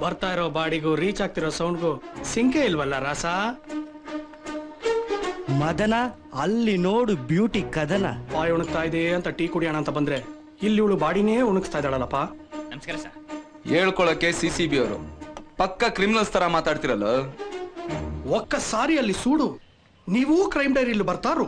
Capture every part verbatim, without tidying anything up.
ಬರ್ತಾ ಇರೋ ಬಾಡಿಗೂ ರೀಚ್ ಆಗ್ತಿರೋ ಸೌಂಡ್ಗೂ ಸಿಂಕೆ ಇಲ್ವಲ್ಲ ರಾಸ? ಮದನ ಅಲ್ಲಿ ನೋಡು ಬ್ಯೂಟಿ ಕದನ. ಬಾಯಿ ಉಣಗ್ತಾ ಇದೆ ಅಂತ ಟೀ ಕುಡಿಯೋಣ ಅಂತ ಬಂದ್ರೆ ಇಲ್ಲಿ ಇವಳು ಬಾಡಿನೇ ಉಣಗ್ತಾ ಇದ್ದಾಳಲ್ಲಪ್ಪ. ನಮಸ್ಕಾರ ಸರ್. ಹೇಳ್ಕೊಳಕ್ಕೆ ಸಿ ಸಿ ಬಿ ಅವರು ಪಕ್ಕ ಕ್ರಿಮಿನಲ್ಸ್ ತರ ಮಾತಾಡ್ತಿರಲ್ಲ. ಒಕ್ಕ ಸಾರಿ ಅಲ್ಲಿ ಸೂಡು, ನೀವು ಕ್ರೈಮ್ ಡೈರಿಯಲ್ಲಿ ಬರ್ತಾರು.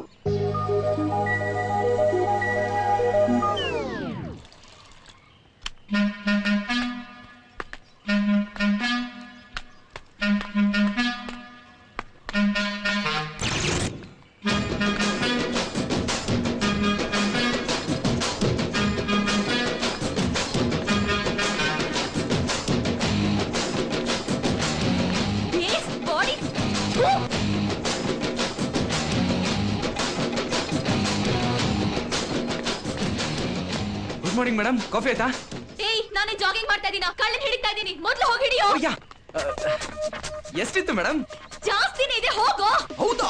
ಗುಡ್ ಮಾರ್ನಿಂಗ್ ಮೇಡಮ್, ಕಾಫಿ ಆಯ್ತಾ? ಏಯ್, ನಾನು ಜಾಗಿಂಗ್ ಮಾಡ್ತಾ ಇದೀನಿ, ಕಳ್ಳನ್ ಹಿಡಿತಾ ಇದೀನಿ, ಮೊದಲು ಹೋಗಿ ಹಿಡಿಯೋ. ಎಷ್ಟಿತ್ತು ಮೇಡಮ್? ಜಾಸ್ತಿನೇ ಇದೆ, ಹೋಗೋ. ಹೌದಾ?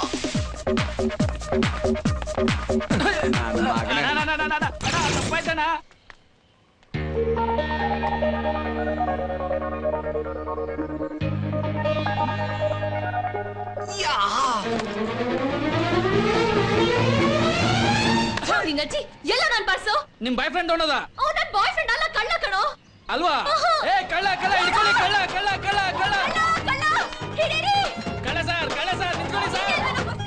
ನಿನ್ನಜ್ಜಿ ಎಲ್ಲ ನನ್ ಪರ್ಸು. ನಿಮ್ ಬಾಯ್ ಫ್ರೆಂಡ್ ತಗೊಂಡದ? ಓ, ನನ್ ಬಾಯ್ ಫ್ರೆಂಡ್ ಅಲ್ಲ, ಕಳ್ಳ ಕಣೋ. ಅಲ್ವಾ? ಏ ಕಳ್ಳ ಕಳ್ಳ ಹಿಡ್ಕೊಳ್ಳಿ, ಕಳ್ಳ ಕಳ್ಳ ಕಳ್ಳ ಕಳ್ಳ ಕಳ್ಳ ಹಿಡೀರಿ. ಕಳ್ಳ ಸರ್, ಕಳ್ಳ ಸರ್, ನಿಂತ್ಕೊಳ್ಳಿ ಸರ್.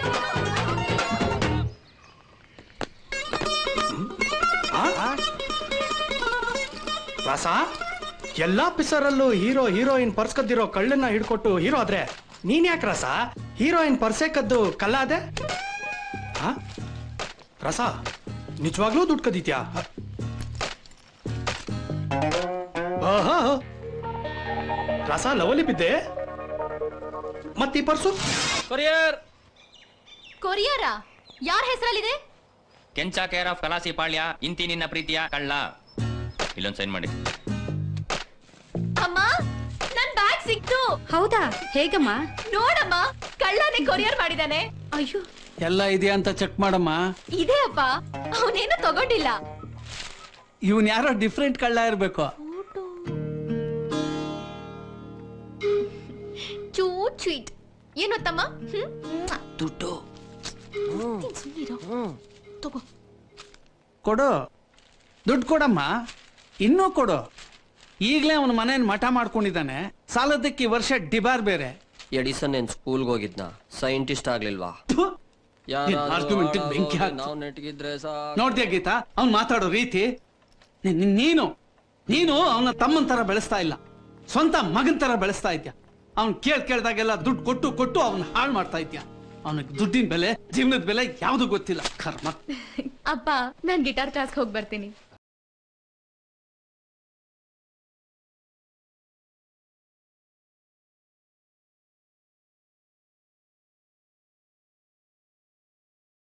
ರಾಸ, ಎಲ್ಲಾ ಪಿಸರಲ್ಲೂ ಹೀರೋ ಹೀರೋಯಿನ್ ಪರ್ಸ್ ಕದ್ದಿರೋ ಕಳ್ಳನ್ನ ಹಿಡ್ಕೊಟ್ಟು ಹೀರೋ ಆದ್ರೆ ನೀನ್ ಯಾಕೆ ರಾಸ ಹೀರೋಯಿನ್ ಪರ್ಸೆ ಕದ್ದು ಕಳ್ಳ ಅದೆ? ರಸ, ನಿಜವಾಗ್ಲೂ ದುಡ್ಡು ಕದೀತ್ಯಾ? ರಸ, ಲವಲಿ ಬಿದ್ದೆ. ಮತ್ತೀ ಪರ್ಸು? ಕೊರಿಯರ್. ಕೊರಿಯರ ಯಾರ ಹೆಸರಲ್ಲಿದೆ? ಕೆಂಚ ಕೇರ್ ಆಫ್ ಕಲಾಸಿ ಪಾಳ್ಯ, ಇಂತಿ ನಿನ್ನ ಪ್ರೀತಿಯ ಕಳ್ಳ. ಇಲ್ಲೊಂದು ಸೈನ್ ಮಾಡಿ. ಅಮ್ಮ, ನನ್ ಬ್ಯಾಗ್ ಸಿಕ್ತು. ಹೌದಾ? ಹೇಗಮ್ಮ? ನೋಡಮ್ಮ, ಕಳ್ಳನೇ ಕೊರಿಯರ್ ಮಾಡಿದಾನೆ. ಅಯ್ಯೋ, ಎಲ್ಲ ಇದೆಯಾ ಅಂತ ಚೆಕ್ ಮಾಡಮ್ಮ. ಇದೆ ಅಪ್ಪ, ಅವನೇನು ತಗೊಂಡಿಲ್ಲ. ಇವನ್ ಯಾರೋ ಡಿಫ್ರೆಂಟ್ ಕಳ್ಳ ಇರ್ಬೇಕು. Cute sweet. ಏನು ತಮ್ಮ? ದುಡ್ಡು ತಗೋ. ಕೊಡು, ದುಡ್ಡು ಕೊಡಮ್ಮ, ಇನ್ನೂ ಕೊಡು. ಈಗಲೇ ಅವನ ಮನೇನ್ ಮಠ ಮಾಡ್ಕೊಂಡಿದ್ದಾನೆ. ಸಾಲದಕ್ಕೆ ಈ ವರ್ಷ ಡಿಬಾರ್ ಬೇರೆ. ಎಡಿಸನ್ ಏನ್ ಸ್ಕೂಲ್ಗೆ ಹೋಗಿದ್ನ, ಸೈಂಟಿಸ್ಟ್ ಆಗ್ಲಿಲ್ವಾ? ನೋಡ್ದ್ಯಾ ಗೀತಾ ಅವ್ನ್ ಮಾತಾಡೋ ರೀತಿ? ನೀನು ನೀನು ಅವನ ತಮ್ಮನ್ ತರ ಬೆಳೆಸ್ತಾ ಇಲ್ಲ, ಸ್ವಂತ ಮಗನ್ ತರ ಬೆಳೆಸ್ತಾ ಇದ್ಯಾ. ಅವ್ನ್ ಕೇಳ್ ಕೇಳ್ದಾಗೆಲ್ಲ ದುಡ್ಡು ಕೊಟ್ಟು ಕೊಟ್ಟು ಅವ್ನ ಹಾಳು ಮಾಡ್ತಾ ಇದ್ಯಾ. ಅವನಿಗೆ ದುಡ್ಡಿನ ಬೆಲೆ, ಜೀವನದ ಬೆಲೆ ಯಾವ್ದು ಗೊತ್ತಿಲ್ಲ. ಕರ್ಮ. ಅಪ್ಪ, ನಾನ್ ಗಿಟಾರ್ ಕ್ಲಾಸ್ಗೆ ಹೋಗಿ ಬರ್ತೀನಿ.